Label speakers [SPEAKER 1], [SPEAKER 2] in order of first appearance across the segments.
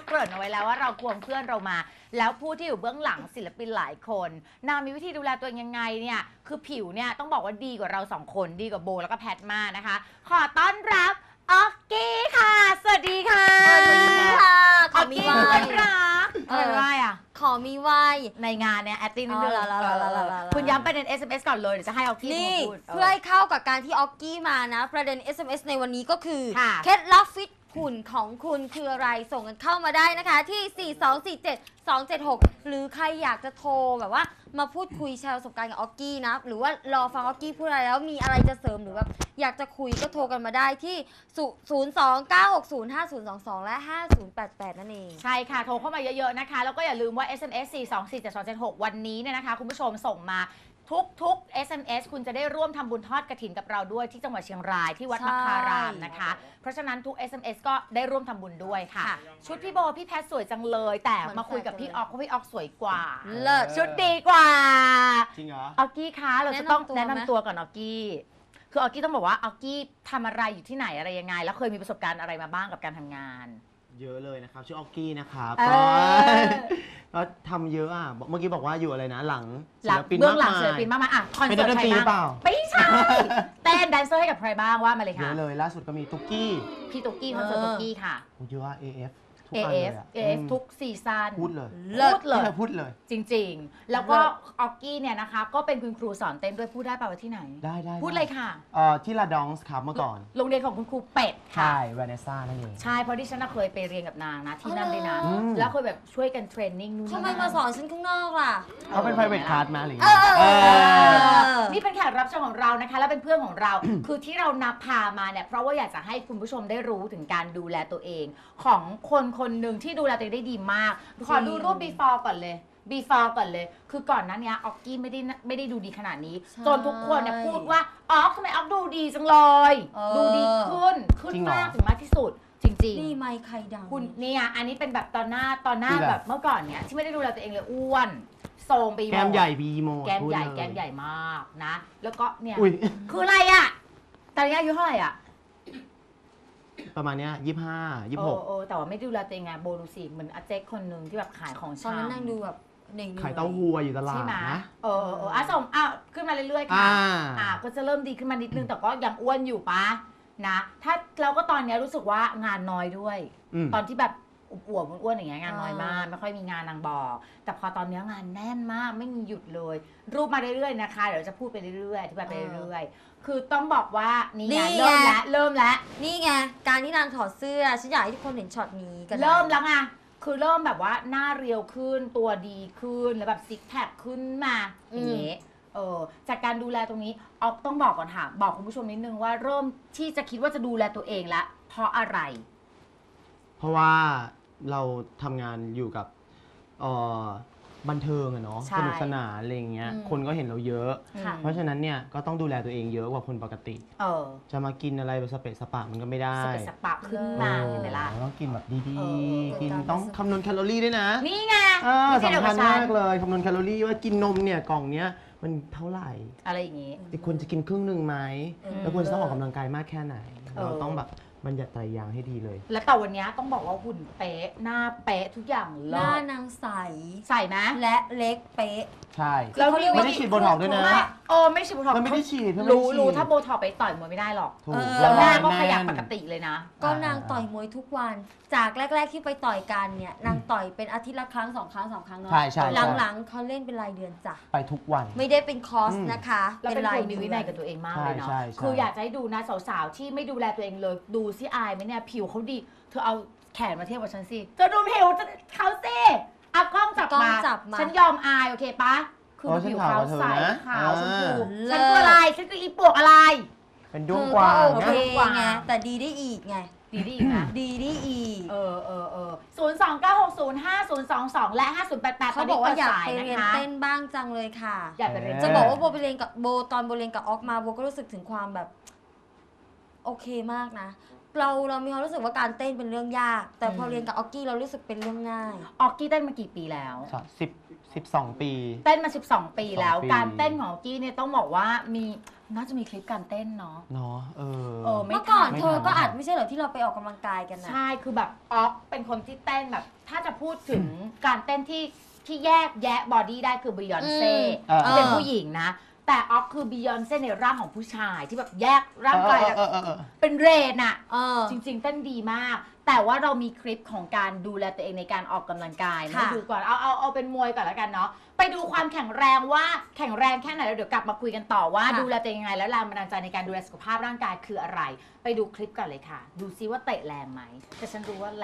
[SPEAKER 1] เกริ่นเอาไว้แล้วว่าเราควงเพื่อนเรามาแล้วผู้ที่อยู่เบื้องหลังศิลปินหลายคนนางมีวิธีดูแลตัวเองยังไงเนี่ยคือผิวเนี่ยต้องบอกว่าดีกว่าเรา2คนดีกว่าโบแล้วก็แพทมากนะคะขอต้อนรับออกกี้ค่ะสวัสดีค่ะ
[SPEAKER 2] สวัสดีค่ะขอมีไหว้
[SPEAKER 1] รักอะไรอ่ะ
[SPEAKER 2] ขอมีไหว้
[SPEAKER 1] ในงานเนี่ยแอตติ้งนิดนึงคุณย้ำประเด็น SMS ก่อนเลยเดี๋ยวจะให้ออกกี้
[SPEAKER 2] นี่
[SPEAKER 1] พูด
[SPEAKER 2] เพื่อให้เข้ากับการที่ออกกี้มานะประเด็น SMS ในวันนี้ก็คือ
[SPEAKER 1] ค่ะ
[SPEAKER 2] เคล็ดลับฟิตหุ่นของคุณคืออะไรส่งกันเข้ามาได้นะคะที่ 4247276 หรือใครอยากจะโทรแบบว่ามาพูดคุยแชร์ประสบการณ์กับออกกี้นะหรือว่ารอฟังออกกี้พูดอะไรแล้วมีอะไรจะเสริมหรือแบบอยากจะคุยก็โทรกันมาได้ที่ 029605022 และ 5088 นั่นเอง
[SPEAKER 1] ใช่ค่ะ โทรเข้ามาเยอะๆนะคะ แล้วก็อย่าลืมว่า SMS 4247276 วันนี้เนี่ยนะคะ คุณผู้ชมส่งมาทุก SMS คุณจะได้ร่วมทำบุญทอดกฐินกับเราด้วยที่จังหวัดเชียงรายที่วัดมะคารามนะคะ เพราะฉะนั้นทุก SMS ก็ได้ร่วมทำบุญด้วยค่ะ ชุดพี่โบพี่แพทสวยจังเลย แต่มาคุยกับพี่ออกเพราะพี่ออกสวยกว่า
[SPEAKER 2] เลิศ
[SPEAKER 1] ชุดดีกว่า
[SPEAKER 3] จริงเหรอ
[SPEAKER 1] ออกกี้คะเราจะต้องแนะ
[SPEAKER 2] แนะนำ
[SPEAKER 1] นำตัวก่อนออกกี้คือออกกี้ต้องบอกว่าออกกี้ทำอะไรอยู่ที่ไหนอะไรยังไง แล้วเคยมีประสบการณ์อะไรมาบ้างกับการทำงาน
[SPEAKER 3] เยอะเลยนะครับชื่อออกกี้นะครับ
[SPEAKER 1] เออ
[SPEAKER 3] ก็ทำเยอะอ่ะเมื่อกี้บอกว่าอยู่อะไรนะหลังศิ
[SPEAKER 1] หลั
[SPEAKER 3] ล
[SPEAKER 1] ง
[SPEAKER 3] ปิน
[SPEAKER 1] เบื้อง
[SPEAKER 3] มาก
[SPEAKER 1] หลัง
[SPEAKER 3] มา
[SPEAKER 1] ศิลปิน
[SPEAKER 3] ย
[SPEAKER 1] มากมายอ่ะคอน
[SPEAKER 3] เป็น
[SPEAKER 1] เสิร์ต
[SPEAKER 3] นักดน
[SPEAKER 1] ใค
[SPEAKER 3] ต
[SPEAKER 1] ร
[SPEAKER 3] รีหรือเป
[SPEAKER 1] บ้า
[SPEAKER 3] ล่า
[SPEAKER 1] งไม่ใช่เต้นแดนเซอร์ให้กับใครบ้างว่ามาเลย
[SPEAKER 3] เย
[SPEAKER 1] ค่ะ
[SPEAKER 3] อะเลยล่าสุดก็มีตุ๊กกี้
[SPEAKER 1] พี่ตุ๊กกี้คอนเสิร์ตตุ๊กกี้ค่ะ
[SPEAKER 3] โอ้เยอะอะ AF ทุกอันเลย
[SPEAKER 1] AF
[SPEAKER 3] อะ
[SPEAKER 1] AF ทุกซีซั่น
[SPEAKER 3] พูดเลย
[SPEAKER 1] พูดเลย
[SPEAKER 3] พูดเลย
[SPEAKER 1] จริงๆ แล้วก็ออกกี้เนี่ยนะคะก็เป็นคุณครูสอนเต้นด้วยพูดได้ป่าวว่าที่ไหน
[SPEAKER 3] ได้
[SPEAKER 1] พูดเลยค่ะ
[SPEAKER 3] ที่ลาดองส์ครับเมื่อก่อน
[SPEAKER 1] โรงเรียนของคุณครูเป็ดค่ะ
[SPEAKER 3] ใช่วาเนซ่านั่นเอง
[SPEAKER 1] ใช่เพราะที่ฉันน่ะเคยไปเรียนกับนางนะที่นั่นด้วยนะ
[SPEAKER 3] อืม
[SPEAKER 1] แล้วเคยแบบช่วยกันเทรนนิ่งนู่นนี่
[SPEAKER 2] ทำไมมาสอนฉันข้างนอกล่ะ
[SPEAKER 3] เขาเป็น private class มาหรือไง
[SPEAKER 1] นี่เป็นแขกรับเชิญของเรานะคะ และเป็นเพื่อนของเรา คือที่เรานับพามาเนี่ยเพราะว่าอยากจะให้คุณผู้ชมได้รู้ถึงการดูแลตัวเอง ของคนคนหนึ่งที่ดูแลตัวเองได้ดีมาก ขอดูรูป before ก่อนเลย before ก่อนเลย คือก่อนหนั้นเนี้ยออกกี้ไม่ได้ดูดีขนาดนี้
[SPEAKER 2] ใช่
[SPEAKER 1] จนทุกคนเนี่ยพูดว่าออกทำไมออกดูดีจังเลย ดูดีขึ้น
[SPEAKER 3] จริงเหรอ
[SPEAKER 1] มากถึงมากที่สุด จริง
[SPEAKER 2] นี่ไมค์ใครดัง
[SPEAKER 1] ๆ คุณเนี่ยอันนี้เป็นแบบตอนหน้า
[SPEAKER 3] ที่แบบ
[SPEAKER 1] แบบเมื่อก่อนเนี่ยที่ไม่ได้ดูแลตัวเองเลยอ้วนโซมไปหมด
[SPEAKER 3] แก้มใหญ่บีโม
[SPEAKER 1] แก้มใหญ่
[SPEAKER 3] พูดเลย
[SPEAKER 1] แก้มใหญ่มากนะ แล้วก็เนี่ย
[SPEAKER 3] อุ้ย
[SPEAKER 1] คืออะไรอ่ะตอนนี้อายุเท่าไหร่อ่ะ
[SPEAKER 3] ประมาณเนี้ย25 26
[SPEAKER 1] แต่ว่าไม่ดูแลตัวเองไงโบดูสิเหมือนอาเจ๊กคนหนึ่งที่แบบขายของ
[SPEAKER 2] ตอน
[SPEAKER 1] ชำ
[SPEAKER 2] นั้นนั่งดูแบบเหน่ง
[SPEAKER 3] ขายเต้าหู้อยู่ตลา
[SPEAKER 1] ใช่
[SPEAKER 3] ด
[SPEAKER 1] ไหม
[SPEAKER 3] นะ
[SPEAKER 1] ส่งขึ้นมาเรื่อยๆค่ะ
[SPEAKER 3] อ่า
[SPEAKER 1] ก็จะเริ่มดีขึ้นมานิดนึงแต่ก็ยังอ้วนอยู่ปะนะถ้าเราก็ตอนนี้รู้สึกว่างานน้อยด้วย
[SPEAKER 3] อืม
[SPEAKER 1] ตอนที่แบบอวบๆอ้วนๆอย่างเงี้ยงานน้อยมากไม่ค่อยมีงานนางบอก แต่พอตอนนี้งานแน่นมากไม่มีหยุดเลย รูปมาเรื่อยๆนะคะเดี๋ยวจะพูดไปเรื่อยๆอธิบายไปเรื่อยๆคือต้องบอกว่านี่ไงเริ่มแล้ว
[SPEAKER 2] นี่ไงการที่นางถอดเสื้อฉันอยากให้ทุกคนเห็นช็อตนี้กัน
[SPEAKER 1] เริ่มแล้วไงคือเริ่มแบบว่าหน้าเรียวขึ้นตัวดีขึ้นแล้วแบบซิกแพคขึ้นมาอย่างเงี้ยจากการดูแลตรงนี้ออกต้องบอกก่อนค่ะบอกคุณผู้ชมนิดนึงว่าเริ่มที่จะคิดว่าจะดูแลตัวเองละเพราะอะไร
[SPEAKER 3] เพราะว่าเราทำงานอยู่กับบันเทิงอะเนาะ
[SPEAKER 1] ใช่
[SPEAKER 3] สนุกสนานอะไรอย่างเงี้ยคนก็เห็นเราเยอะ
[SPEAKER 2] ค่ะ
[SPEAKER 3] เพราะฉะนั้นเนี่ยก็ต้องดูแลตัวเองเยอะกว่าคนปกติ จะมากินอะไรแบบสเปะสปะมันก็ไม่ได้
[SPEAKER 1] สเปซสปะขึ้นมาเห็นไหมล่ะ
[SPEAKER 3] ต้องกินแบบดี
[SPEAKER 1] เออ
[SPEAKER 3] ๆ กินต้องคำนวณแคลอรี่ด้วยนะ
[SPEAKER 1] นี่ไง
[SPEAKER 3] สำคัญมากเลยคำนวณแคลอรี่ว่ากินนมเนี่ยกล่องเนี้ยมันเท่าไหร่
[SPEAKER 1] อะไรอย่างงี้
[SPEAKER 3] ควรจะกินครึ่งหนึ่งไหม
[SPEAKER 2] อืม
[SPEAKER 3] แล้วควรจะต้องออกกำลังกายมากแค่ไหน
[SPEAKER 1] เออ
[SPEAKER 3] เราต้องแบบบัญญัติไตรยางค์ให้ดีเลย
[SPEAKER 1] และแต่วันนี้ต้องบอกว่าหุ่นเป๊ะหน้าเป๊ะทุกอย่าง
[SPEAKER 2] ห
[SPEAKER 1] เลิ
[SPEAKER 2] น้า
[SPEAKER 1] ศ
[SPEAKER 2] นางใส
[SPEAKER 1] ใส่ไหม
[SPEAKER 2] และเล็กเป๊ะ
[SPEAKER 3] ใช่
[SPEAKER 1] แล้ว
[SPEAKER 3] ไม่ได้ฉีดโบท็อกซ์ด้วยนะ
[SPEAKER 1] ไม่ฉีดโบท็อกซ์
[SPEAKER 3] เพื่อนไม่ได้ฉีดเพื่อนไม่ได้ฉีด
[SPEAKER 1] รู้ถ้าโบท็อกซ์ไปต่อยมวยไม่ได้หรอก
[SPEAKER 3] ถูก
[SPEAKER 1] แล้วหน้าก็
[SPEAKER 3] แ
[SPEAKER 1] ขยับปกติเลยนะ
[SPEAKER 2] ก็นางต่อยมวยทุกวัน จากแรก ๆที่ไปต่อยกันเนี่ยนางต่อยเป็นอาทิตย์ละครั้ง2 ครั้ง 3 ครั้งเนาะ
[SPEAKER 3] ใช่ใช่
[SPEAKER 2] หลังๆเขาเล่นเป็นรายเดือนจ้ะ
[SPEAKER 3] ไปทุกวัน
[SPEAKER 2] ไม่ได้เป็นคอร์ส
[SPEAKER 3] อืม
[SPEAKER 2] นะคะ
[SPEAKER 1] เราเป็น
[SPEAKER 2] รา
[SPEAKER 1] ค
[SPEAKER 2] ย
[SPEAKER 1] นมีวินัยกับตัวเองมากเลยเนาะ
[SPEAKER 3] ใช่ใช่
[SPEAKER 1] คืออยากจะให้ดูนะสาวๆที่ไม่ดูแลตัวเองเลยดูซิอายไหมเนี่ยผิวเขาดี เธอเอาแขนมาเทียบกับฉันสิเธอดูผิวเขาสิเอากล้องจับ
[SPEAKER 2] กล้อง
[SPEAKER 1] มา
[SPEAKER 2] จับมา
[SPEAKER 1] ฉันยอมอายโอเคปะคือผิวขาวใสขาวชมพู
[SPEAKER 2] เลิศ
[SPEAKER 1] ฉันคืออะไรฉันคืออีปวกอะไร
[SPEAKER 3] เป็นด้วง
[SPEAKER 2] เธอก
[SPEAKER 3] วาง
[SPEAKER 2] โอ
[SPEAKER 3] นะ
[SPEAKER 2] เค
[SPEAKER 1] กวาง
[SPEAKER 2] ไงแต่ดีได้อีกไง
[SPEAKER 1] ดีดีนะ
[SPEAKER 2] ดีได้อีก
[SPEAKER 1] 029605022 และ 5088
[SPEAKER 2] เขาบอกว่าอยาก
[SPEAKER 1] ต
[SPEAKER 2] ไป
[SPEAKER 1] นนี้
[SPEAKER 2] เรียน
[SPEAKER 1] ปิดสายนะคะ
[SPEAKER 2] เต้นบ้างจังเลยค่ะ
[SPEAKER 1] อยากไปเรียน
[SPEAKER 2] จะบอกว่าโบไปเรียนกับโบตอนโบเรียนกับออกมาโบก็รู้สึกถึงความแบบ โอเคมากนะเรามีความรู้สึกว่าการเต้นเป็นเรื่องยาก แต่พอเรียนกับออกกี้เรารู้สึกเป็นเรื่องง่าย
[SPEAKER 1] ออกกี้เต้นมากี่ปีแล้ว
[SPEAKER 3] 12 ปี
[SPEAKER 1] เต้นมา 12 ปีแล้ว
[SPEAKER 3] 12 ปี
[SPEAKER 1] การเต้นของออกกี้เนี่ยต้องบอกว่าน่าจะมีคลิปการเต้นเนาะ
[SPEAKER 3] เนาะ
[SPEAKER 1] ไม่
[SPEAKER 2] เมื่อก่อน
[SPEAKER 1] ทัน
[SPEAKER 2] เธอก็อัดไม่ใช่เหรอที่เราไปออกกำลังกายกันนะ
[SPEAKER 1] ใช่คือแบบออกเป็นคนที่เต้นแบบ ถ้าจะพูดถึงการเต้นที่แยกแยะบอดี้ได้คือบียอนเซ่ ที่เป็นผู้หญิงนะ แต่ออกคือบียอนเซ่ในร่างของผู้ชายที่แบบแยกร่างกายเป็นเรนอะจริงๆเต้นดีมาก แต่ว่าเรามีคลิปของการดูแลตัวเองในการออกกำลังกายมาดูก่อนเอาเป็นมวยก่อนแล้วกันเนาะไปดูความแข็งแรงว่าแข็งแรงแค่ไหนแล้วเดี๋ยวกลับมาคุยกันต่อว่าดูแลตัวเองยังไงแล้วแรงบันดาลใจในการดูแลสุขภาพร่างกายคืออะไร ไปดูคลิปก่อนเลยค่ะ ดูซิว่าเตะแรงไหมแต่ฉันรู้ว่าแรง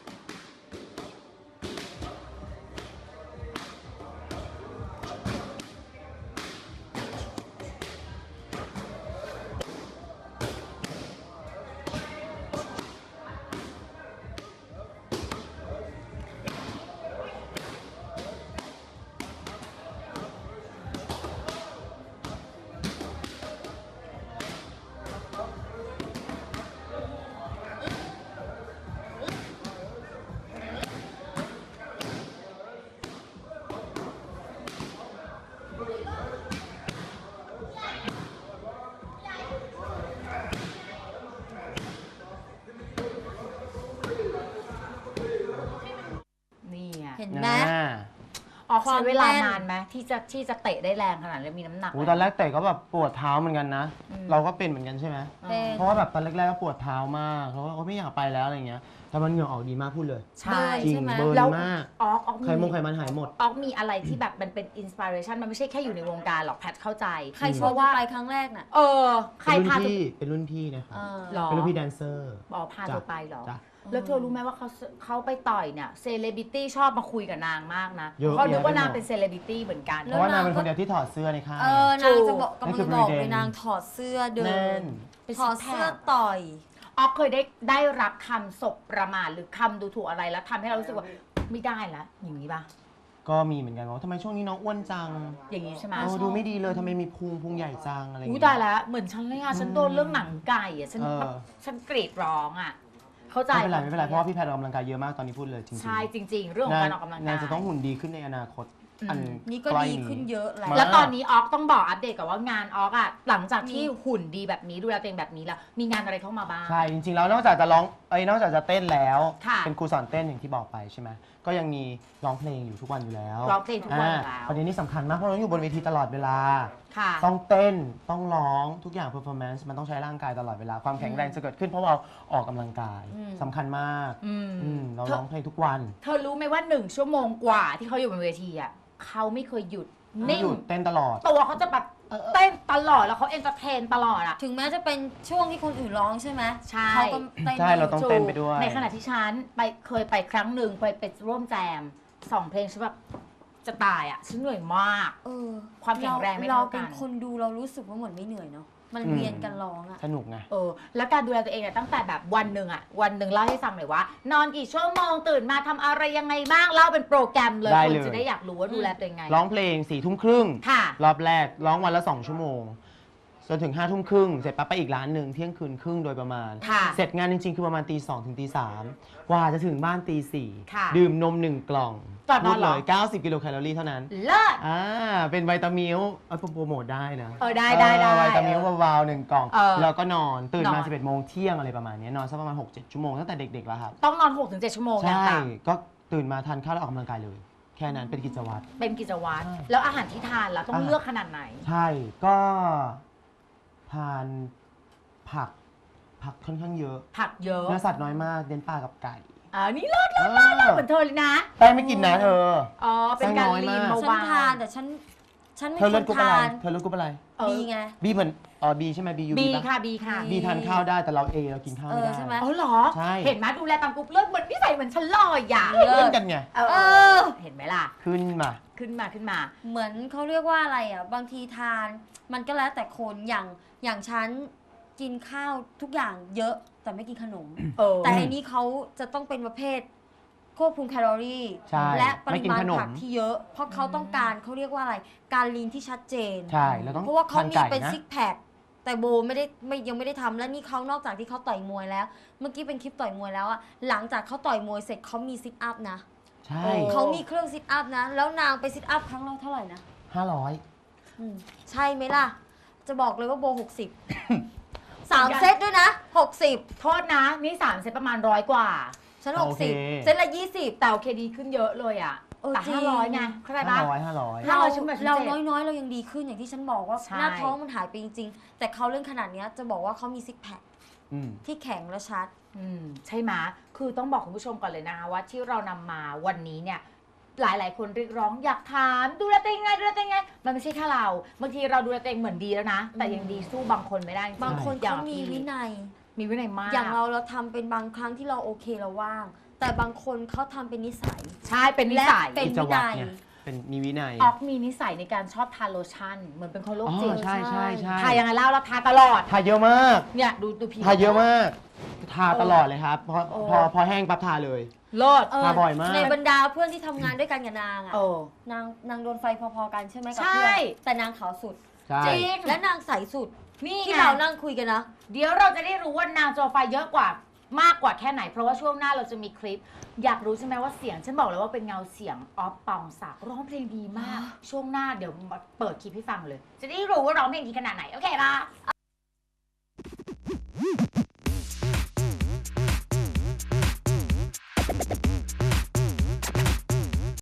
[SPEAKER 1] นี่ไง
[SPEAKER 2] เห็นไหม
[SPEAKER 1] ออกใช้เวลา
[SPEAKER 2] ความแน่น
[SPEAKER 1] นานไหมที่จะเตะได้แรงขนาดนี้มีน้ำหนัก
[SPEAKER 3] โอ้ตอนแรกเตะก็แบบปวดเท้าเหมือนกันนะ เราก็เป็นเหมือนกันใช่ไหม
[SPEAKER 2] เป็น
[SPEAKER 3] เพราะว่าแบบตอนแรกๆก็ปวดเท้ามากแล้วก็ไม่อยากไปแล้วอะไรเงี้ยแต่มันเหงื่อออกดีมากพูดเลย
[SPEAKER 1] ใช่
[SPEAKER 3] จริง
[SPEAKER 2] ใช่ไหม
[SPEAKER 3] เบิร์น
[SPEAKER 1] แล้ว
[SPEAKER 3] มาก
[SPEAKER 1] ออก
[SPEAKER 3] ไขมันหายหมด
[SPEAKER 1] ออกมีอะไรที่แบบมันเป็นอินสปิเรชันมันไม่ใช่แค่อยู่ในวงการหรอกแพทเข้าใจ
[SPEAKER 2] ใครชวนว่าไปครั้งแรกน่ะ
[SPEAKER 1] ใครพา
[SPEAKER 3] เป็นรุ่นพี่นะครับ
[SPEAKER 1] หรอ
[SPEAKER 3] เป็นรุ่นพี่แดนเซอร์
[SPEAKER 1] บอกพาเธอไปเหรอ
[SPEAKER 3] จ้ะ
[SPEAKER 1] แล้วเธอรู้ไหมว่าเขาไปต่อยเนี่ยเซเลบริตี้ชอบมาคุยกับนางมากนะ
[SPEAKER 3] เยอะ
[SPEAKER 1] เขาคิดว่า
[SPEAKER 3] แยะไปหมด
[SPEAKER 1] นางเป็นเซเลบริตี้เหมือนกัน
[SPEAKER 3] เพราะว่านางเป็นคนเดียวที่ถอดเสื้อในค่าย
[SPEAKER 2] นางจะบอกกำลัง
[SPEAKER 3] นั่นคือ
[SPEAKER 2] จะบอก
[SPEAKER 3] ประ
[SPEAKER 2] เล
[SPEAKER 3] เด็
[SPEAKER 2] ย
[SPEAKER 3] น
[SPEAKER 2] นางถอดเสื้อเดิ
[SPEAKER 3] แน่
[SPEAKER 2] น
[SPEAKER 3] น
[SPEAKER 1] เป็น
[SPEAKER 2] ถอด
[SPEAKER 1] ซิกแพค
[SPEAKER 2] เสื้อต่อย
[SPEAKER 1] ออกเคยได้รับคำศพประมาทหรือคำดูถูกอะไรแล้วทำให้เรารู้สึกว่าไม่ได้ละอย่างนี้ปะ
[SPEAKER 3] ก็มีเหมือนกันว่าทำไมช่วงนี้น้องอ้วนจัง
[SPEAKER 1] อย่างนี้ใช่ไหม
[SPEAKER 3] ดูไม่ดีเลยทำไมมีพุงใหญ่จังอะไรอย่าง
[SPEAKER 1] อุ้ย
[SPEAKER 3] เงี้ย
[SPEAKER 1] ตายแล้วเหมือนฉันเลยอ่ะฉันโดนเรื่องหนังไก่อ่ะฉัน
[SPEAKER 3] เออ
[SPEAKER 1] แบบฉันกรีดร้องอ่ะเข้าใจ
[SPEAKER 3] ไม่เป็นไรเพราะว่าพี่แพทย์ออกกำลังกายเยอะมากตอนนี้พูดเลยจริงๆ
[SPEAKER 1] ใช่จริง ๆ เรื่องของการออกกำลังกาย
[SPEAKER 3] นางจะต้องหุ่นดีขึ้นในอนาคต อัน
[SPEAKER 2] นี่ก็
[SPEAKER 3] ใล้
[SPEAKER 2] ดีขึ้นเยอะแล้ว
[SPEAKER 1] แล้วตอนนี้ออกต้องบอกอัปเดตกับว่างานออกอ่ะหลังจากที่หุ่นดีแบบนี้ดูแลตัวเองแบบนี้แล้วมีงานอะไรเข้ามาบ้าง
[SPEAKER 3] ใช่จริงๆแล้วนอกจากจะร้องนอกจากจะเต้นแล้ว
[SPEAKER 1] ค่ะ
[SPEAKER 3] เป็นครูสอนเต้นอย่างที่บอกไปใช่ไหมก็ยังมีร้องเพลงอยู่ทุกวันอยู่แล้ว
[SPEAKER 1] ร้องเพลงทุกวันอยู่แล้ว
[SPEAKER 3] ประเด็นนี้สำคัญมากเพราะเราอยู่บนเวทีตลอดเวลา
[SPEAKER 1] ค่ะ
[SPEAKER 3] ต้องเต้นต้องร้องทุกอย่าง performance มันต้องใช้ร่างกายตลอดเวลาความแข็งแรงจะเกิดขึ้นเพราะเราออกกำลังกายสำคัญมาก เราร้องเพลงทุกวัน
[SPEAKER 1] เธอรู้ไหมว่า1 ชั่วโมงกว่าที่เขาอยู่บนเวทีอ่ะเขาไม่เคยหยุด
[SPEAKER 3] ไม่
[SPEAKER 1] นิ่ง
[SPEAKER 3] หยุดเต้นตลอด
[SPEAKER 1] ตัวเขาจะแบบเต้นตลอดแล้วเขาเอนเตอร์เทนตลอดอ่ะ
[SPEAKER 2] ถึงแม้จะเป็นช่วงที่คนอื่นร้องใช่ไหม
[SPEAKER 1] ใช่
[SPEAKER 2] เขาก็เต้น
[SPEAKER 3] ใช่เราต้อง เต้นไปด้วย
[SPEAKER 1] ในขณะที่ฉันเคยไปครั้งหนึ่งไปร่วมแจม2 เพลงฉันแบบจะตายอ่ะฉันเหนื่อยมาก ความแข็งแรงไม่
[SPEAKER 2] เรา
[SPEAKER 1] เท่ากัน
[SPEAKER 2] เป็นคนดูเรารู้สึกว่าเหมือนไม่เหนื่อยเนาะมันเวียนกันร้องอะ
[SPEAKER 3] สนุกไง
[SPEAKER 1] แล้วการดูแลตัวเองเนี่ยตั้งแต่แบบวันหนึ่งเล่าให้ฟังหน่อยว่า นอนกี่ชั่วโมงตื่นมาทำอะไรยังไงบ้างเล่าเป็นโปรแกรมเลย
[SPEAKER 3] ได้
[SPEAKER 1] คน
[SPEAKER 3] เลย
[SPEAKER 1] จะได้อยากรู้ว่าดูแลตัวเองไง
[SPEAKER 3] ร้องเพลง4 ทุ่มครึ่ง
[SPEAKER 1] ค่ะ
[SPEAKER 3] รอบแรกร้องวันละ 2 ชั่วโมงจนถึง5 ทุ่มครึ่งเสร็จปั๊บไปอีกร้านหนึ่งเที่ยงคืนครึ่งโดยประมาณ
[SPEAKER 1] ค่ะ
[SPEAKER 3] เสร็จงานจริงๆ คือประมาณตี 2 ถึงตี 3 กว่าจะถึงบ้านตี
[SPEAKER 1] ค่ะ
[SPEAKER 3] 4 ดื่มนม 1 กล่อง
[SPEAKER 1] ก่อนนอนเหรอ
[SPEAKER 3] พูดเลย90 กิโลแคลอรี่เท่านั้น
[SPEAKER 1] เลิศ
[SPEAKER 3] เป็นไวตามิลโปรโมทได้นะ
[SPEAKER 1] ได้
[SPEAKER 3] ไวตามิลวาวๆ1 กล่อง แล้วก็นอนตื่นมา
[SPEAKER 1] นอน
[SPEAKER 3] 11 โมงเที่ยงอะไรประมาณนี้นอนสักประมาณ 6-7 ชั่วโมงตั้งแต่เด็กๆแล้วครับ
[SPEAKER 1] ต้องนอน 6-7 ชั่วโมงอย่าง
[SPEAKER 3] ใช่
[SPEAKER 1] ต่
[SPEAKER 3] ก็ตื่นมาทานข้าวแล้วออกกำลังกายเลย แค่นั้นเป็นกิจวัตร
[SPEAKER 1] ำเป็นกิจวัตรแล้วอาหารที่ทานล่ะต้องเลือกขนาดไหน
[SPEAKER 3] ใช่ก็ทานผักค่อนข้างเยอะ
[SPEAKER 1] ผักเยอะ
[SPEAKER 3] เนื้อสัตว์น้อยมากเน้นปลากับไก่
[SPEAKER 1] นี่เลิศเหมือนเธอเลยนะ
[SPEAKER 3] แป้งไม่กินนะเธอ
[SPEAKER 1] เป็นการลีน
[SPEAKER 3] ไส้น้อยมาก
[SPEAKER 2] ฉัน
[SPEAKER 1] เบา
[SPEAKER 2] ทานแต่ฉันไม่
[SPEAKER 3] เธอเลือด
[SPEAKER 2] ค
[SPEAKER 3] กรุ๊
[SPEAKER 2] น
[SPEAKER 3] ปอะไร
[SPEAKER 2] ทาน
[SPEAKER 3] เธอเลือดกรุ๊ปอะไร
[SPEAKER 2] บีไง
[SPEAKER 3] บีเหมือนบีใช่ไหมบียู
[SPEAKER 1] บี
[SPEAKER 3] ปะ
[SPEAKER 1] ค่ะบีค่ะ
[SPEAKER 3] บีทานข้าวได้แต่เราเรากินข้าวไม่ได้
[SPEAKER 2] ใช่ไหม
[SPEAKER 1] อ๋อเหรอ
[SPEAKER 3] ใช่
[SPEAKER 1] เห็นไหมดูแลตามกรุ๊ปเลือดเหมือนนิสัยเหมือนฉันเลยอ่ะ
[SPEAKER 2] เลิ
[SPEAKER 3] เพื่อน
[SPEAKER 2] ศ
[SPEAKER 3] กันไง
[SPEAKER 1] เห็นไหมล่ะ
[SPEAKER 3] ขึ้นมา
[SPEAKER 1] ขึ้นมา
[SPEAKER 2] เหมือนเขาเรียกว่าอะไรอ่ะบางทีทานมันก็แล้วแต่คนอย่างฉันกินข้าวทุกอย่างเยอะแต่ไม่กินขนม แต่อันนี้เขาจะต้องเป็นประเภทควบคุมแคลอรี่
[SPEAKER 3] ใช่
[SPEAKER 2] และป
[SPEAKER 3] ไม่
[SPEAKER 2] ริ
[SPEAKER 3] กิน
[SPEAKER 2] มาณ
[SPEAKER 3] ขนม
[SPEAKER 2] ผักที่เยอะ เพราะเขาต้องการเขาเรียกว่าอะไรการลีนที่ชัดเจน
[SPEAKER 3] ใช่แล้วต้อง
[SPEAKER 2] เพราะว่าเขา
[SPEAKER 3] ทาน
[SPEAKER 2] มี
[SPEAKER 3] ไก่
[SPEAKER 2] เป็น
[SPEAKER 3] นะ
[SPEAKER 2] ซิกแพคแต่โบยังไม่ได้ทำและนี่เขานอกจากที่เขาต่อยมวยแล้ว เมื่อกี้เป็นคลิปต่อยมวยแล้วอะหลังจากเขาต่อยมวยเสร็จเขามีซิทอัพนะ
[SPEAKER 3] ใช่
[SPEAKER 2] เขามีเครื่องซิทอัพนะแล้วนางไปซิทอัพครั้งละเท่าไหร่นะ
[SPEAKER 3] 500
[SPEAKER 2] ใช่ไหมล่ะ จะบอกเลยว่าโบ 60 3 เซตด้วยนะ 60
[SPEAKER 1] โทษนะนี่3 เซตประมาณ100 กว่า
[SPEAKER 2] ฉัน
[SPEAKER 3] โอเค
[SPEAKER 2] 60 เซตละ 20
[SPEAKER 1] แต่โอเคดีขึ้นเยอะเลยอ่ะ แต่
[SPEAKER 2] จริง
[SPEAKER 1] 500ไงเข้าใจปะ
[SPEAKER 3] 500
[SPEAKER 2] เรา
[SPEAKER 1] ฉันแบบฉัน
[SPEAKER 2] เรา
[SPEAKER 1] เจ็บ
[SPEAKER 2] น้อยๆ เรายังดีขึ้นอย่างที่ฉันบอกว่า
[SPEAKER 1] ใช่
[SPEAKER 2] หน้าท้องมันหายไปจริงๆ แต่เขาเรื่องขนาดเนี้ยจะบอกว่าเขามีซิกแพค
[SPEAKER 3] อืม
[SPEAKER 2] ที่แข็งและชัด
[SPEAKER 1] ใช่ไหมคือต้องบอกคุณผู้ชมก่อนเลยนะคะว่าที่เรานำมาวันนี้เนี่ยหลายๆ คนเรียกร้องอยากถามดูแลตัวเองไงดูแลตัวเองไงมันไม่ใช่แค่เราบางทีเราดูแลตัวเองเหมือนดีแล้วนะ แต่ยังดีสู้บางคนไม่ได้จริๆ
[SPEAKER 2] บางคน
[SPEAKER 1] อย่
[SPEAKER 2] เขามีวินัย
[SPEAKER 1] มีวินัยมาก
[SPEAKER 2] อย่างเราทำเป็นบางครั้งที่เราโอเคเราว่าง แต่บางคนเขาทำเป็นนิสัย
[SPEAKER 1] ใช่เป็นนิสัย
[SPEAKER 2] และเป็น
[SPEAKER 3] กิจวัตรเนี่ยเป็นมีวินัย
[SPEAKER 1] ออกมีนิสัยในการชอบทาโลชั่น เหมือนเป็นคนโรคจิต
[SPEAKER 3] ใช่ใช่ใช่
[SPEAKER 1] ทายังไงเล่าเราทาตลอด
[SPEAKER 3] ทาเยอะมาก
[SPEAKER 1] เนี่ยดูผิว
[SPEAKER 3] ทาเยอะมาก ทาตลอดเลยครับ พอแห้งปั๊บทาเลย
[SPEAKER 1] โลด
[SPEAKER 3] ทาบ่อยมาก
[SPEAKER 2] ในบรรดาเพื่อนที่ทำงานด้วยกันกับนางอะ
[SPEAKER 1] โอ้
[SPEAKER 2] นางโดนไฟพอๆกันใช่ไหมกับ
[SPEAKER 1] ใช่
[SPEAKER 2] เพื่อนแต่นางขาวสุด
[SPEAKER 3] ใช่
[SPEAKER 1] จริง
[SPEAKER 2] และนางใสสุด
[SPEAKER 1] นี่
[SPEAKER 2] ที่
[SPEAKER 1] ไง
[SPEAKER 2] เรานั่งคุยกันนะ
[SPEAKER 1] เดี๋ยวเราจะได้รู้ว่านางโจไฟเยอะกว่ามากกว่าแค่ไหน เพราะว่าช่วงหน้าเราจะมีคลิป อยากรู้ใช่ไหมว่าเสียง ฉันบอกเลยว่าเป็นเงาเสียงออฟปองศักดิ์ร้องเพลงดีมาก ช่วงหน้าเดี๋ยวมาเปิดคลิปให้ฟังเลย จะได้รู้ว่าร้องเพลงดีขนาดไหน โอเคปะ
[SPEAKER 2] โอ